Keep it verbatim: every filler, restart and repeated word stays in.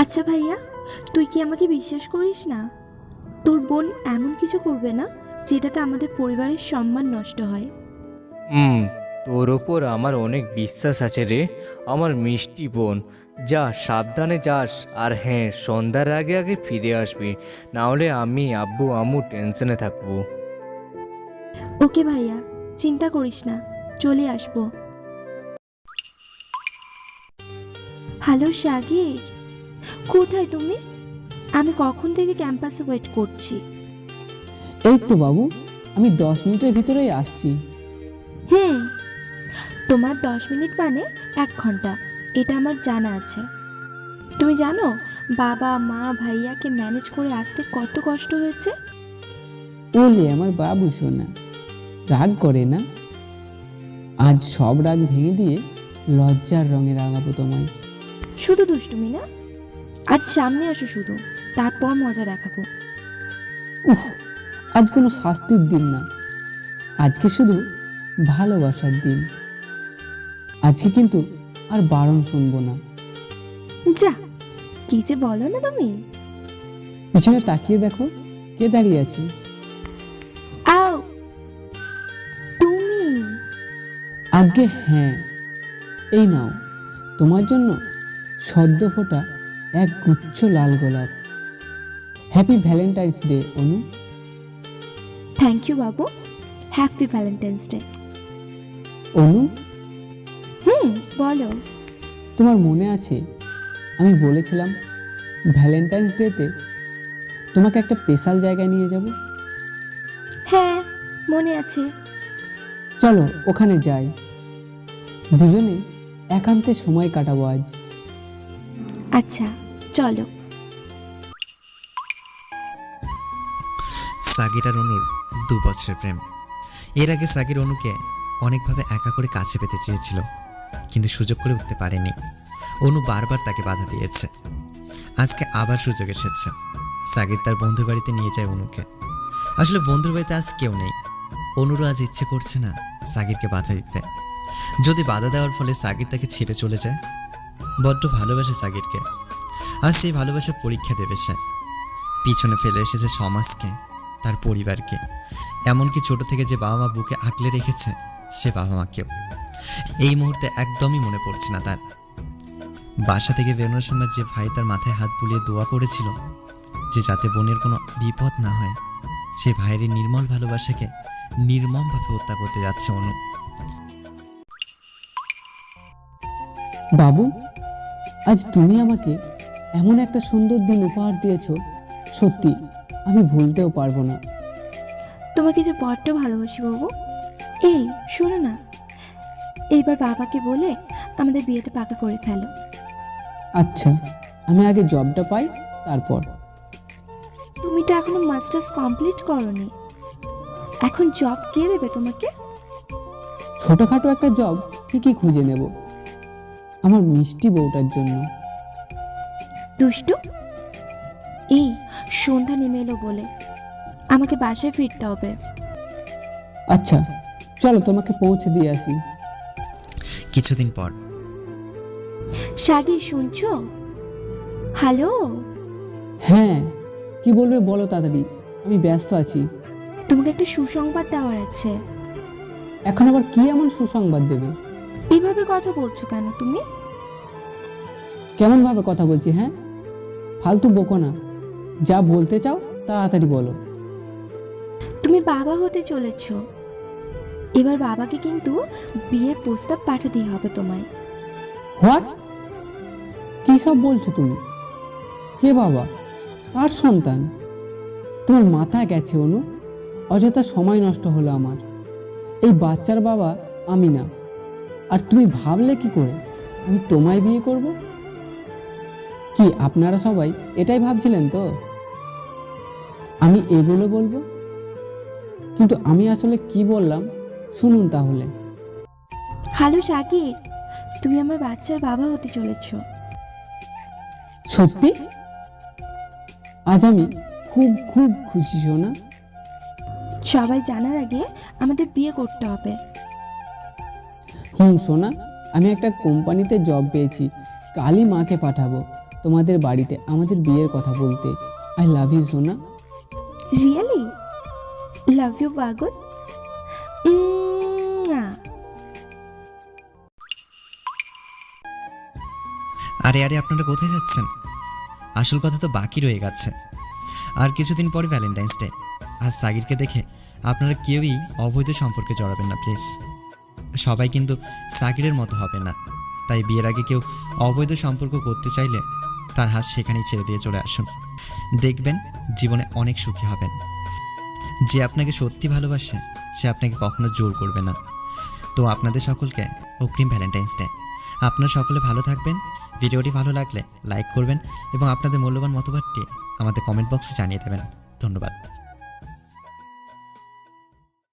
আচ্ছা ভাইয়া, তুই কি আমাকে বিশ্বাস করিস না? তোর বোন এমন কিছু করবে না যেটাতে আমাদের পরিবারের সম্মান নষ্ট হয়। হুম, তোর ওপর আমার অনেক বিশ্বাস আছে রে, আমার মিষ্টি বোন। যা, সাবধানে যাস। আর হ্যাঁ, সন্ধ্যার আগে আগে ফিরে আসবি, না হলে আমি, আব্বু, আম্মু টেনশনে থাকবো। ওকে ভাইয়া, চিন্তা করিস না, চলে আসবো। হ্যালো সাগির, কোথায় তুমি? আমি কখন থেকে ক্যাম্পাসে ওয়েট করছি। এই তো বাবু, আমি দশ মিনিটের ভিতরেই আসছি। হুম, তোমার দশ মিনিট মানে এক ঘন্টা, এটা আমার জানা আছে। তুমি জানো বাবা মা ভাইয়াকে ম্যানেজ করে আসতে কত কষ্ট হয়েছে? ওলে আমার বাবু সোনা, রাগ করে না। আজ সব রাগ ভেঙে দিয়ে লজ্জার রঙে রাঙাবো তোমায়। শুধু দুষ্টুমি না, আজ সামনে আসো শুধু, তারপর মজা দেখাবো। উফ, আজ কোনো শাস্তির দিন না, আজকে শুধু ভালোবাসার দিন। আজকে কিন্তু আর বারণ শুনবো না। যা, কি যে বলো না তুমি। পিছনে তাকিয়ে দেখো, কে দাঁড়িয়ে আছে। আও, তুমি? আজ্ঞে হ্যাঁ, এই নাও তোমার জন্য সদ্য ফোটা এক গুচ্ছ লাল গোলাপ। Happy Valentine's day Anu. Thank you বাবু, হ্যাপি ভ্যালেন্টাইন্স ডে। অনু, হুম, বলো। তোমার মনে আছে আমি বলেছিলাম ভ্যালেন্টাইন্স ডেতে তোমাকে একটা স্পেশাল জায়গায় নিয়ে যাব? হ্যাঁ, মনে আছে। চলো ওখানে যাই, দুজনে একান্তে সময় কাটাবো আজ। আচ্ছা, চলো। সাগির আর অনুর দু বছরের প্রেম। এর আগে সাগির অনুকে অনেকভাবে একা করে কাছে পেতে চেয়েছিল, কিন্তু সুযোগ করে উঠতে পারেনি। অনু বারবার তাকে বাধা দিয়েছে। আজকে আবার সুযোগ এসেছে। সাগির তার বন্ধুর বাড়িতে নিয়ে যায় অনুকে। আসলে বন্ধুর বাড়িতে আজ কেউ নেই। অনুরও আজ ইচ্ছে করছে না সাগিরকে বাধা দিতে। যদি বাধা দেওয়ার ফলে সাগির তাকে ছেড়ে চলে যায়। বড্ড ভালোবাসে সাগিরকে। আজ সেই ভালোবাসার পরীক্ষা দেবে সে। পিছনে ফেলে এসেছে সমাজকে, তার পরিবারকে, এমনকি ছোট থেকে যে বাবা মা বুকে আঁকলে রেখেছে সে বাবা মাকেও। এই মুহূর্তে একদমই মনে পড়ছে না তার। বাসা থেকে বেরোনোর সময় যে ভাই তার মাথায় হাত বুলিয়ে দোয়া করেছিল যে যাতে বোনের কোনো বিপদ না হয়, সেই ভাইয়ের নির্মল ভালোবাসাকে নির্মমভাবে হত্যা করতে যাচ্ছে অনু। বাবু, আজ তুমি আমাকে এমন একটা সুন্দর দিন উপহার দিয়েছো, সত্যি আমি ভুলতেও পারবো না। তোমাকে যে বড্ড ভালোবাসি বাবু। এই শোনো না, এইবার বাবাকে বলে আমাদের বিয়েটা পাকা করে ফেলো। আচ্ছা, আমি আগে জবটা পাই, তারপর। তুমি তো এখনো মাস্টার্স কমপ্লিট করোনি, এখন জব কে দেবে তোমাকে? ছোটখাটো একটা জব ঠিকই খুঁজে নেব আমার মিষ্টি বউটার জন্য। দুষ্টু, এই সন্ধ্যা নেমে এলো বলে আমাকে বাসায় ফিরতে হবে। আচ্ছা চলো, তোমাকে পৌঁছে দিয়ে আসি। কিছুদিন পর। সাগি, শুনছো? হ্যালো। হ্যাঁ, কি বলবে বলো তাড়াতাড়ি, আমি ব্যস্ত আছি। তোমাকে একটা সুসংবাদ দেওয়ার আছে। এখন আবার কি এমন সুসংবাদ দেবে? এইভাবে কথা বলছো কেন তুমি? কেমন ভাবে কথা বলছি? হ্যাঁ, ফালতু বকো না, যা বলতে চাও তাড়াতাড়ি বলো। তুমি বাবা হতে চলেছ। এবার বাবাকে কিন্তু বিয়ের প্রস্তাব পাঠাতেই হবে তোমায়। হোয়াট? কি সব বলছো তুমি? কে বাবা? কার সন্তান? তোমার মাথা গেছে অনু, অযথা সময় নষ্ট হলো আমার। এই বাচ্চার বাবা আমি না। আর তুমি ভাবলে কি করে আমি তোমায় বিয়ে করব? কি আপনারা সবাই এটাই ভাবছিলেন তো আমি এগুলো বলবো? কিন্তু আমি আসলে কি বললাম শুনুন তাহলে। হ্যালো সাকির, তুমি আমার বাচ্চার বাবা হতে চলেছ। সত্যি? আজ আমি খুব খুব খুশি সোনা। সবাই জানার আগে আমাদের বিয়ে করতে হবে। হুম সোনা, আমি একটা কোম্পানিতে জব পেয়েছি, কালই মাকে পাঠাবো। তোমাদের বাড়িতে আমাদের বিয়ের কথা বলতে। আই লাভ ইউ সোনা। রিয়েলি লাভ ইউ পাগল। উম, আরে আরে আপনারা কোথায় যাচ্ছেন? আসল কথা তো বাকি রয়ে গেছে। আর কিছুদিন পরে ভ্যালেন্টাইন্স ডে। আর সাগিরকে দেখে আপনারা কেউই অবৈধ সম্পর্কে জড়াবেন না প্লিজ। সবাই কিন্তু সাগিরের মতো হবে না, তাই বিয়ের আগে কেউ অবৈধ সম্পর্ক করতে চাইলে তার হাত সেখানেই ছেড়ে দিয়ে চলে আসুন। দেখবেন জীবনে অনেক সুখী হবেন। যে আপনাকে সত্যি ভালোবাসে সে আপনাকে কখনো জোর করবে না। তো আপনাদের সকলকে অগ্রিম ভ্যালেন্টাইন্স ডে। আপনারা সকলে ভালো থাকবেন। ভিডিওটি ভালো লাগলে লাইক করবেন এবং আপনাদের মূল্যবান মতবাদটি আমাদের কমেন্ট বক্সে জানিয়ে দেবেন। ধন্যবাদ।